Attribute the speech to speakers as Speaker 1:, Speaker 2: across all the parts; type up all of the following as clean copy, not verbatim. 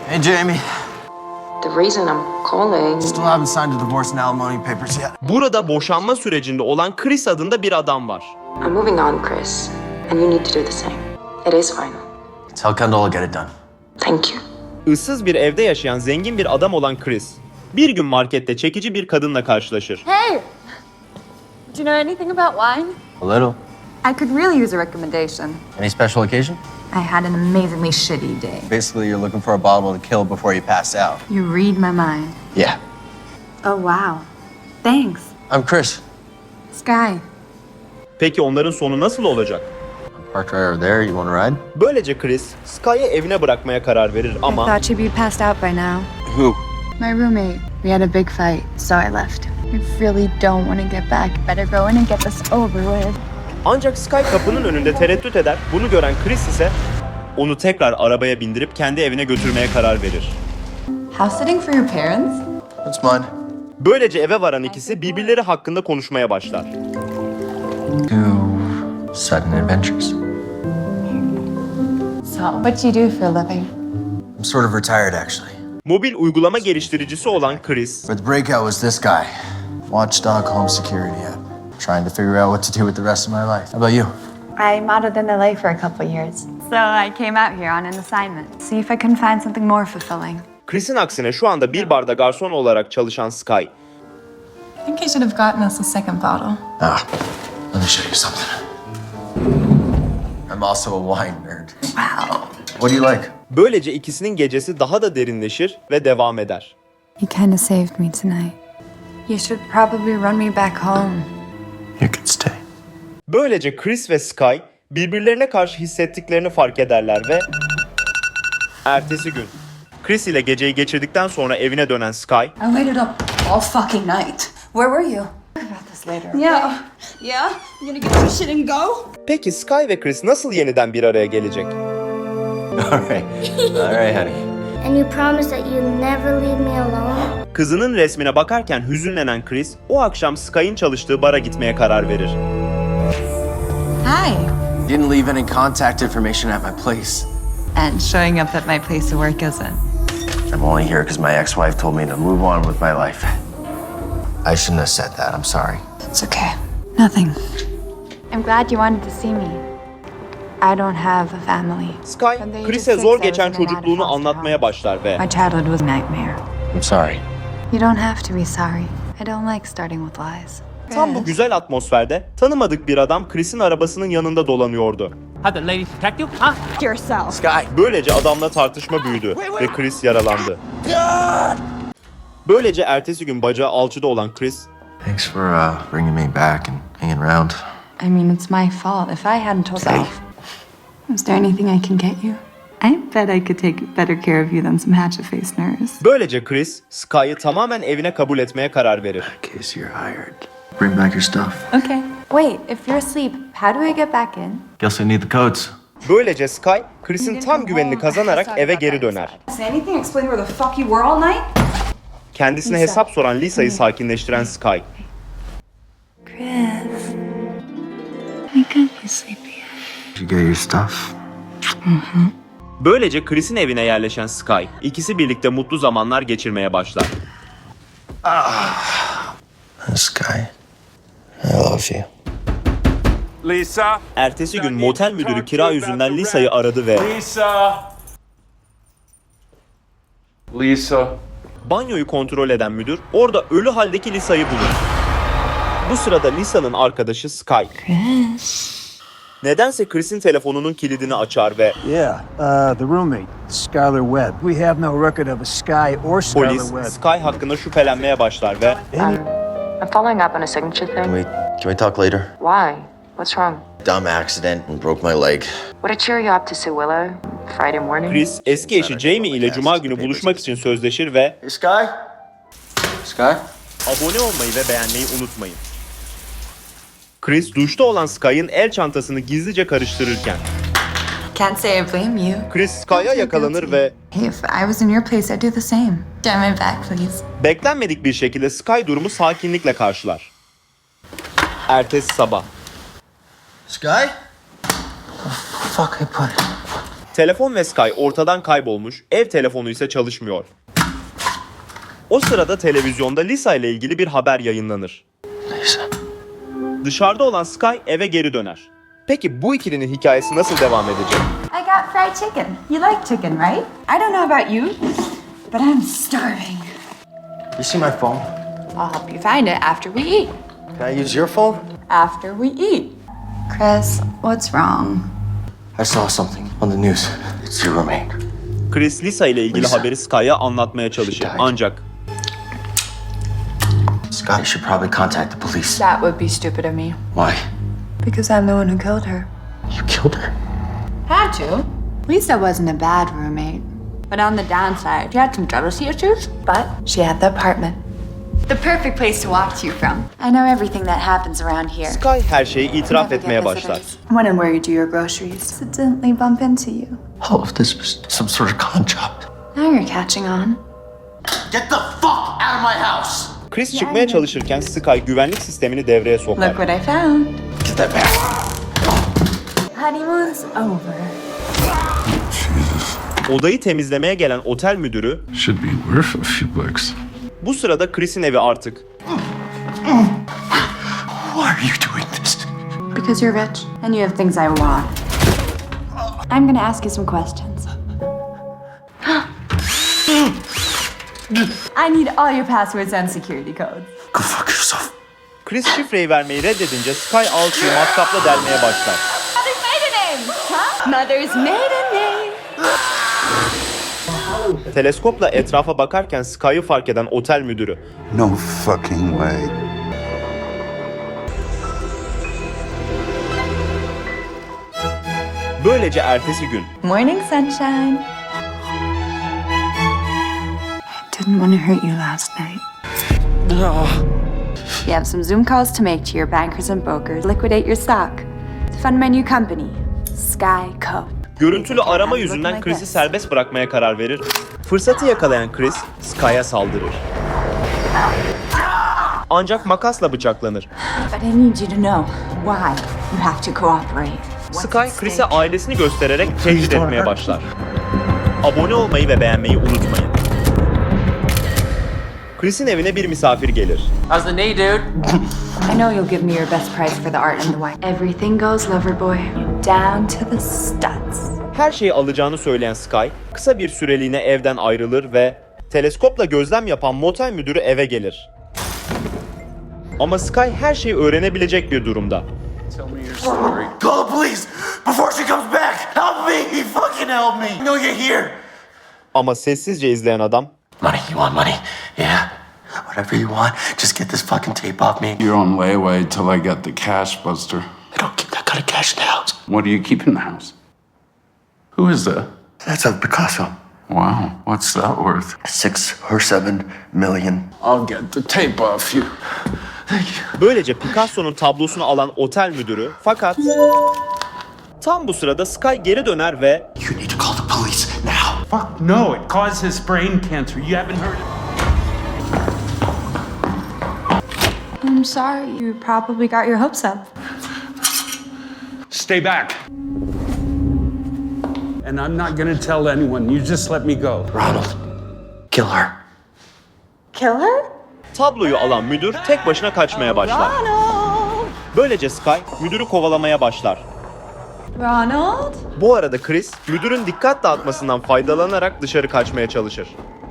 Speaker 1: Hey, Jamie.
Speaker 2: The reason I'm calling...
Speaker 1: Still haven't signed the divorce and alimony papers yet.
Speaker 3: Burada boşanma sürecinde olan Chris adında bir adam var.
Speaker 2: I'm moving on, Chris. And you need to do the same. It is final.
Speaker 1: Tell Kendall I'll get it done.
Speaker 2: Thank you.
Speaker 3: Issız bir evde yaşayan zengin bir adam olan Chris, bir gün markette çekici bir kadınla karşılaşır.
Speaker 4: Hey! Do you know anything about wine?
Speaker 1: A little.
Speaker 4: I could really use a recommendation.
Speaker 1: Any special occasion?
Speaker 4: I had an amazingly shitty day.
Speaker 1: Basically, you're looking for a bottle to kill before you pass out.
Speaker 4: You read my mind.
Speaker 1: Yeah.
Speaker 4: Oh, wow. Thanks.
Speaker 1: I'm Chris.
Speaker 4: Sky.
Speaker 3: Peki onların sonu nasıl olacak?
Speaker 1: Parked right over there. You want to ride?
Speaker 3: Böylece Chris, Sky'ı evine bırakmaya karar verir
Speaker 4: I
Speaker 3: ama
Speaker 4: thought she'd be passed out by now.
Speaker 1: Who?
Speaker 4: My roommate. We had a big fight, so I left. I really don't want to get back. Better go in and get this over with.
Speaker 3: ancak Sky kapının önünde tereddüt eder. Bunu gören Chris ise onu tekrar arabaya bindirip kendi evine götürmeye karar verir.
Speaker 4: House sitting for your parents?
Speaker 1: It's mine.
Speaker 3: Böylece eve varan ikisi birbirleri hakkında konuşmaya başlar.
Speaker 1: Too sudden adventures.
Speaker 4: So, what do you do for a living?
Speaker 1: I'm sort of retired, actually.
Speaker 3: Mobil uygulama geliştiricisi olan Chris,
Speaker 1: But the breakout was this guy. Watchdog Home Security app. Trying to figure out what to do with the rest of my life. How about you?
Speaker 4: I modeled in LA for a couple years. So I came out here on an assignment. See if I can find something more fulfilling.
Speaker 3: Chris'in aksine şu anda bir barda garson olarak çalışan Sky,
Speaker 5: I think I should have gotten us a second bottle.
Speaker 1: Ah, let me show you something. I'm also a wine nerd.
Speaker 4: Wow.
Speaker 1: What do you like?
Speaker 3: böylece ikisinin gecesi daha da derinleşir ve devam eder.
Speaker 4: You kind of saved me tonight. You should probably run me back home.
Speaker 1: You can stay.
Speaker 3: Böylece Chris ve Sky birbirlerine karşı hissettiklerini fark ederler ve ertesi gün Chris ile geceyi geçirdikten sonra evine dönen Sky,
Speaker 5: I waited up all fucking night. Where were you?
Speaker 4: About this later.
Speaker 5: Yeah. Yeah? You gonna get your shit and go?
Speaker 3: peki Sky ve Chris nasıl yeniden bir araya gelecek?
Speaker 1: All right. All right, honey.
Speaker 6: And you promise that you'll never leave me alone?
Speaker 3: Kızının resmine bakarken hüzünlenen Chris, o akşam Sky'ın çalıştığı bara gitmeye karar verir.
Speaker 5: Hi.
Speaker 1: Didn't leave any contact information at my place.
Speaker 5: And showing up at my place of work isn't.
Speaker 1: I'm only here because my ex-wife told me to move on with my life. I shouldn't have said that. I'm sorry.
Speaker 5: It's okay. Nothing.
Speaker 4: I'm glad you wanted to see me. I don't have a family.
Speaker 3: Sky, Chris'e zor geçen çocukluğunu anlatmaya başlar ve
Speaker 4: My childhood was a nightmare.
Speaker 1: I'm sorry.
Speaker 4: You don't have to be sorry. I don't like starting with lies.
Speaker 3: tam bu güzel atmosferde tanımadık bir adam Chris'in arabasının yanında dolanıyordu.
Speaker 7: Have the ladies protect you, huh?
Speaker 5: Yourself.
Speaker 1: Sky.
Speaker 3: Böylece adamla tartışma büyüdü ve Chris yaralandı. Böylece ertesi gün bacağı alçıda olan Chris,
Speaker 1: Thanks for bringing me back and hanging around.
Speaker 4: I mean, it's my fault. If I hadn't told you... Is there anything I can get you? I bet I could take better care of you than some hatchet-faced nurse.
Speaker 3: böylece Chris, Sky'ı tamamen evine kabul etmeye karar verir.
Speaker 1: In case you're hired, bring back your stuff.
Speaker 4: Okay. Wait, if you're asleep, how do I get back in?
Speaker 1: Guess I need the codes.
Speaker 3: Böylece Sky, Chris'in tam güvenini kazanarak eve geri döner.
Speaker 5: Does anything explain where the fuck you were all night?
Speaker 3: Kendisine hesap soran Lisa'yı sakinleştiren Sky,
Speaker 4: Chris, I can't be sleepy.
Speaker 1: Did you get your stuff?
Speaker 3: böylece Chris'in evine yerleşen Sky, ikisi birlikte mutlu zamanlar geçirmeye başlar.
Speaker 1: Sky, I love you.
Speaker 7: Lisa?
Speaker 3: Ertesi gün motel müdürü kira yüzünden Lisa'yı aradı ve
Speaker 7: Lisa? Lisa?
Speaker 3: banyoyu kontrol eden müdür orada ölü haldeki Lisa'yı bulur. Bu sırada Lisa'nın arkadaşı Sky, nedense Chris'in telefonunun kilidini açar ve
Speaker 8: Yeah, the roommate, Skylar Webb. We have no record of a Sky or Skylar
Speaker 3: polis
Speaker 8: Webb.
Speaker 3: Sky hakkında şüphelenmeye başlar ve
Speaker 2: I'm following up on a signature thing.
Speaker 1: Can we talk later?
Speaker 2: Why? What's wrong?
Speaker 1: Dumb accident and broke my leg.
Speaker 2: Would I cheer you up to see Willow Friday morning?
Speaker 3: Chris eski eşi Jamie ile cuma günü buluşmak için sözleşir ve
Speaker 1: Hey, Sky? Sky?
Speaker 3: abone olmayı ve beğenmeyi unutmayın. Chris duşta olan Sky'ın el çantasını gizlice karıştırırken
Speaker 5: Can't say I blame you.
Speaker 3: Chris Sky'a yakalanır ve
Speaker 5: Hey, if I was in your place, I'd do the same. Get my back, please.
Speaker 3: beklenmedik bir şekilde Sky durumu sakinlikle karşılar. Ertesi sabah
Speaker 1: Sky? Fuck, I put it.
Speaker 3: Telefon ve Sky ortadan kaybolmuş, ev telefonu ise çalışmıyor. O sırada televizyonda Lisa ile ilgili bir haber yayınlanır.
Speaker 1: Lisa.
Speaker 3: Dışarıda olan Sky eve geri döner. Peki bu ikilinin hikayesi nasıl devam edecek?
Speaker 4: I got fried chicken. You like chicken, right? I don't know about you, but I'm starving.
Speaker 1: You see my phone?
Speaker 4: I'll help you find it after we eat.
Speaker 1: Can I use your phone?
Speaker 4: After we eat. Chris, what's wrong?
Speaker 1: I saw something on the news. It's your roommate.
Speaker 3: Chris, Lisa ile ilgili
Speaker 1: Lisa.
Speaker 3: haberi Sky'a anlatmaya çalışır.
Speaker 1: She died.
Speaker 3: Ancak
Speaker 1: Scott, you should probably contact the police.
Speaker 4: That would be stupid of me.
Speaker 1: Why?
Speaker 4: Because I'm the one who killed her.
Speaker 1: You killed her?
Speaker 4: Had to. Lisa wasn't a bad roommate. But on the downside, she had some jealousy issues. But she had the apartment. The perfect place to walk to you from. I know everything that happens around here.
Speaker 3: Sky her şeyi itiraf
Speaker 4: Never
Speaker 3: etmeye
Speaker 4: get
Speaker 3: başlar.
Speaker 4: visitors. When and where you do your groceries. Accidentally bump into you.
Speaker 1: All of this was some sort of con job.
Speaker 4: Now you're catching on.
Speaker 1: Get the fuck out of my house!
Speaker 3: Chris çıkmaya çalışırken Sky güvenlik sistemini devreye sokar.
Speaker 4: Look what I found.
Speaker 1: Get that back!
Speaker 4: Honeymoon's over.
Speaker 3: Odayı temizlemeye gelen otel müdürü
Speaker 9: Should be worth a few bucks.
Speaker 3: bu sırada Chris'in evi artık.
Speaker 1: Why are you doing this?
Speaker 4: Because you're rich and you have things I want. I'm gonna ask you some questions. I need all your passwords and security codes.
Speaker 1: Go fuck yourself.
Speaker 3: Chris şifreyi vermeyi reddedince Sky alçıyı matkapla delmeye başlar.
Speaker 4: Mother's maiden name! Huh? Mother's maiden name!
Speaker 3: Teleskopla etrafa bakarken Sky'ı fark eden otel müdürü
Speaker 9: No fucking way.
Speaker 3: böylece ertesi gün
Speaker 4: Morning, sunshine. I didn't want to hurt you last night. You have some Zoom calls to make to your bankers and brokers. Liquidate your stock. To fund my new company, Sky Co.
Speaker 3: görüntülü arama yüzünden Chris'i serbest bırakmaya karar verir. Fırsatı yakalayan Chris Sky'a saldırır. Ancak makasla bıçaklanır.
Speaker 4: But I need you to know why you have to cooperate.
Speaker 3: Sky Chris'e ailesini göstererek tehdit etmeye başlar. Abone olmayı ve beğenmeyi unutmayın. Chris'in evine bir misafir gelir.
Speaker 7: How's the knee, dude?
Speaker 4: I know you'll give me your best price for the art and the wine. Everything goes, lover boy. Down to the studs.
Speaker 3: Her şeyi alacağını söyleyen Sky, kısa bir süreliğine evden ayrılır ve teleskopla gözlem yapan motel müdürü eve gelir. Ama Sky her şeyi öğrenebilecek bir durumda.
Speaker 7: Tell me your story.
Speaker 1: Call the police before she comes back! Help me! Fucking help me! I know you're here!
Speaker 3: Ama sessizce izleyen adam,
Speaker 1: Money, you want money? Yeah? Whatever you want, just get this fucking tape off me.
Speaker 9: You're on layaway till I get the cash, Buster.
Speaker 1: I don't keep that kind of cash in the house.
Speaker 9: What do you keep in the house? Who is that?
Speaker 1: That's a Picasso.
Speaker 9: Wow, what's that worth?
Speaker 1: 6 or 7 million.
Speaker 9: I'll get the tape off you.
Speaker 3: böylece Picasso'nun tablosunu alan otel müdürü, fakat tam bu sırada Sky geri döner ve
Speaker 1: You need to call the police now.
Speaker 10: Fuck no, it causes brain cancer. You haven't heard it?
Speaker 4: I'm sorry. You probably got your hopes up.
Speaker 10: Stay back. And I'm not gonna tell anyone. You just let me go.
Speaker 1: Ronald, kill her.
Speaker 4: Kill her?
Speaker 3: tabloyu alan müdür tek başına kaçmaya başlar. Böylece Sky müdürü kovalamaya başlar.
Speaker 4: Ronald?
Speaker 3: Bu arada Chris, müdürün dikkat dağıtmasından faydalanarak dışarı kaçmaya çalışır.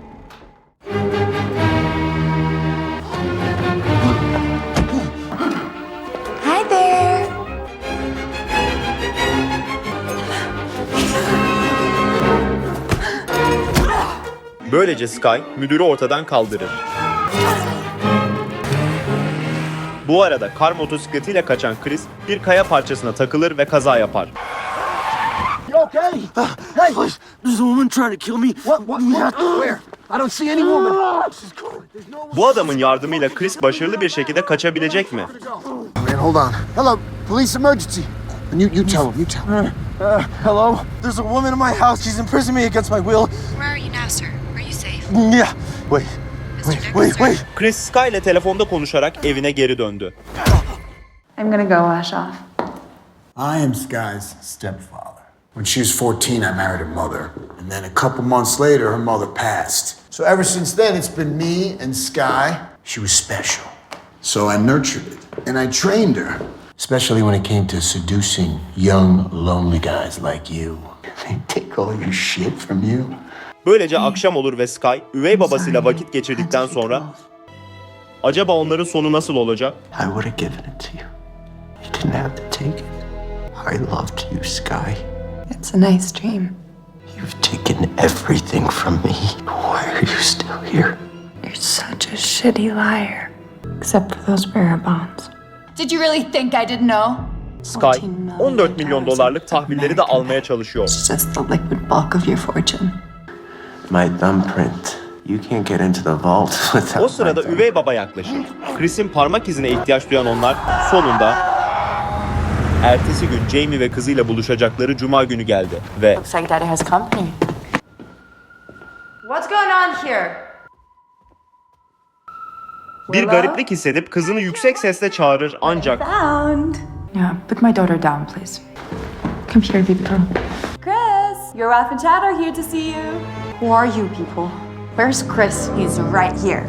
Speaker 4: Hi there.
Speaker 3: Böylece Sky müdürü ortadan kaldırır. Bu arada kar motosikletiyle kaçan Chris bir kaya parçasına takılır ve kaza yapar.
Speaker 8: Okay. Hey, please. There's a woman trying to kill me. What? Where? I don't see any woman.
Speaker 3: Bu adamın yardımıyla Chris başarılı bir şekilde kaçabilecek mi?
Speaker 11: Man, hold on. Hello, police emergency. You tell him. You tell him.
Speaker 1: Hello? There's a woman in my house. She's imprisoning me against my will.
Speaker 5: Where are you now, sir? Are you safe?
Speaker 1: Yeah. Wait.
Speaker 3: Chris Sky ile telefonda konuşarak evine geri döndü.
Speaker 4: I'm gonna go wash off.
Speaker 11: I am Sky's stepfather. When she was 14, I married her mother. And then a couple months later, her mother passed. So ever since then, it's been me and Sky. She was special. So I nurtured it. And I trained her. Especially when it came to seducing young, lonely guys like you. They take all your shit from you.
Speaker 3: Böylece akşam olur ve Sky, üvey babasıyla vakit geçirdikten sonra acaba onların sonu nasıl olacak?
Speaker 8: I would have given it to you. You didn't have to take it. I loved you, Sky.
Speaker 4: It's a nice dream.
Speaker 8: You've taken everything from me. Why are you still here?
Speaker 4: You're such a shitty liar. Except for those bearer bonds. Did you really think I didn't know?
Speaker 3: Sky, 14 milyon dolarlık tahvilleri de almaya çalışıyor.
Speaker 4: It's just the liquid bulk of your fortune.
Speaker 8: My thumbprint. You can't get into the vault without
Speaker 3: O sırada üvey baba yaklaşır. Chris'in parmak izine ihtiyaç duyan onlar sonunda ertesi gün Jamie ve kızıyla buluşacakları cuma günü geldi ve
Speaker 2: Looks like Daddy has company.
Speaker 4: What's going on here?
Speaker 3: bir gariplik hissedip kızını yüksek sesle çağırır ancak
Speaker 4: Found. Yeah, put my daughter down, please. Come here, baby girl. Chris, your wife and Chad are here to see you. Who are you people? Where's Chris? He's right here.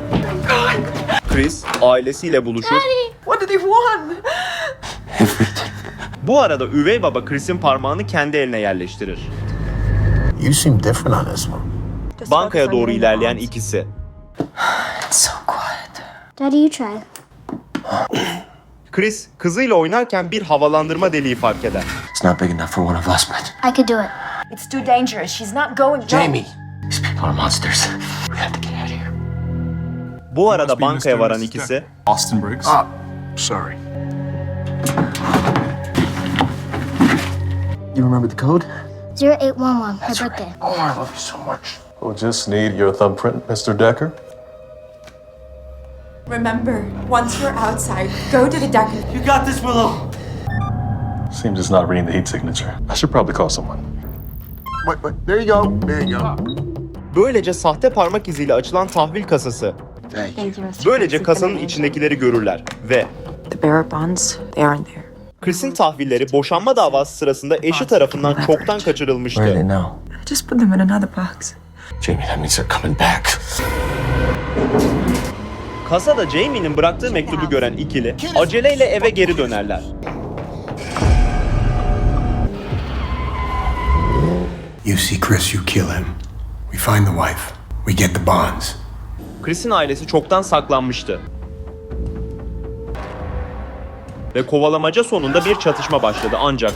Speaker 3: Chris ailesiyle buluşur.
Speaker 4: What did he want?
Speaker 8: everything.
Speaker 3: Bu arada üvey baba Chris'in parmağını kendi eline yerleştirir.
Speaker 11: You seem different on this one.
Speaker 3: Bankaya doğru ilerleyen ikisi.
Speaker 4: It's so quiet.
Speaker 6: Daddy, you try.
Speaker 3: Chris kızıyla oynarken bir havalandırma deliği fark eder.
Speaker 8: It's not big enough for one of us, but
Speaker 6: I could do it.
Speaker 4: It's too dangerous. She's not going.
Speaker 8: Jamie, these people are monsters. We have to get out of here.
Speaker 3: Bu arada bankaya varan ikisi
Speaker 9: Austin Briggs.
Speaker 11: Ah, sorry.
Speaker 1: You remember the code?
Speaker 6: 0811, my birthday.
Speaker 11: Oh, I love you so much.
Speaker 9: We'll just need your thumbprint, Mr. Decker.
Speaker 5: Remember, once we're outside, go to the deck.
Speaker 8: You got this, Willow.
Speaker 9: Seems it's not reading the heat signature. I should probably call someone.
Speaker 11: Wait, there you go. There you go.
Speaker 3: böylece sahte parmak iziyle açılan tahvil kasası.
Speaker 11: Thank you.
Speaker 3: Böylece kasanın içindekileri görürler ve
Speaker 2: The bearer bonds, they aren't there.
Speaker 3: Chris'in tahvilleri boşanma davası sırasında eşi tarafından çoktan kaçırılmıştı.
Speaker 8: now?
Speaker 5: I just put them in another box.
Speaker 8: Jamie, that means they're coming back.
Speaker 3: Kasada Jamie'nin bıraktığı mektubu gören ikili aceleyle eve geri dönerler.
Speaker 11: You see Chris, you kill him. We find the wife. We get the bonds.
Speaker 3: Chris'in ailesi çoktan saklanmıştı. Ve kovalamaca sonunda bir çatışma başladı ancak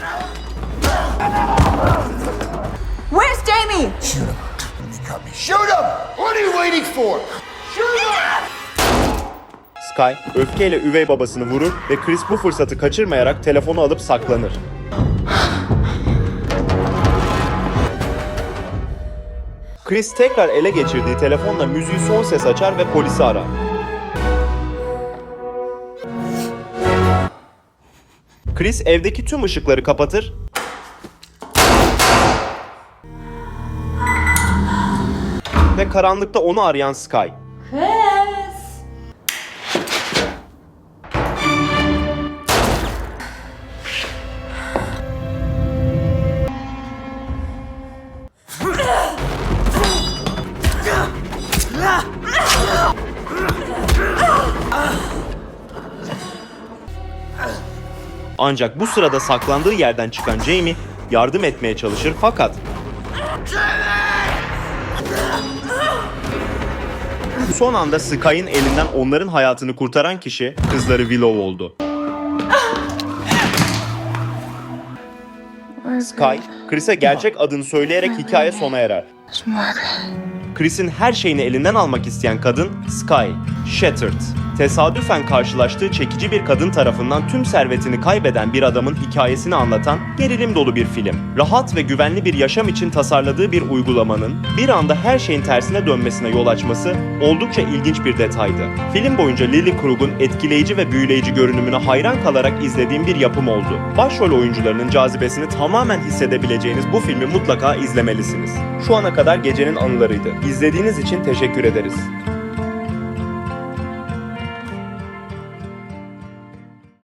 Speaker 4: Where's Jamie?
Speaker 11: Shoot him. He cut me. Shoot him! What are you waiting for? Shoot him!
Speaker 3: Sky öfkeyle üvey babasını vurur ve Chris bu fırsatı kaçırmayarak telefonu alıp saklanır. Chris tekrar ele geçirdiği telefonla müziği son ses açar ve polisi arar. Chris evdeki tüm ışıkları kapatır ve karanlıkta onu arayan Sky
Speaker 4: Chris.
Speaker 3: Ancak bu sırada saklandığı yerden çıkan Jamie yardım etmeye çalışır fakat son anda Sky'ın elinden onların hayatını kurtaran kişi kızları Willow oldu. Sky, Chris'e gerçek adını söyleyerek hikaye sona erer. Chris'in her şeyini elinden almak isteyen kadın Sky, Shattered. Tesadüfen karşılaştığı çekici bir kadın tarafından tüm servetini kaybeden bir adamın hikayesini anlatan gerilim dolu bir film. Rahat ve güvenli bir yaşam için tasarladığı bir uygulamanın bir anda her şeyin tersine dönmesine yol açması oldukça ilginç bir detaydı. Film boyunca Lily Krug'un etkileyici ve büyüleyici görünümüne hayran kalarak izlediğim bir yapım oldu. Başrol oyuncularının cazibesini tamamen hissedebileceğiniz bu filmi mutlaka izlemelisiniz. Şu ana kadar gecenin anılarıydı. İzlediğiniz için teşekkür ederiz.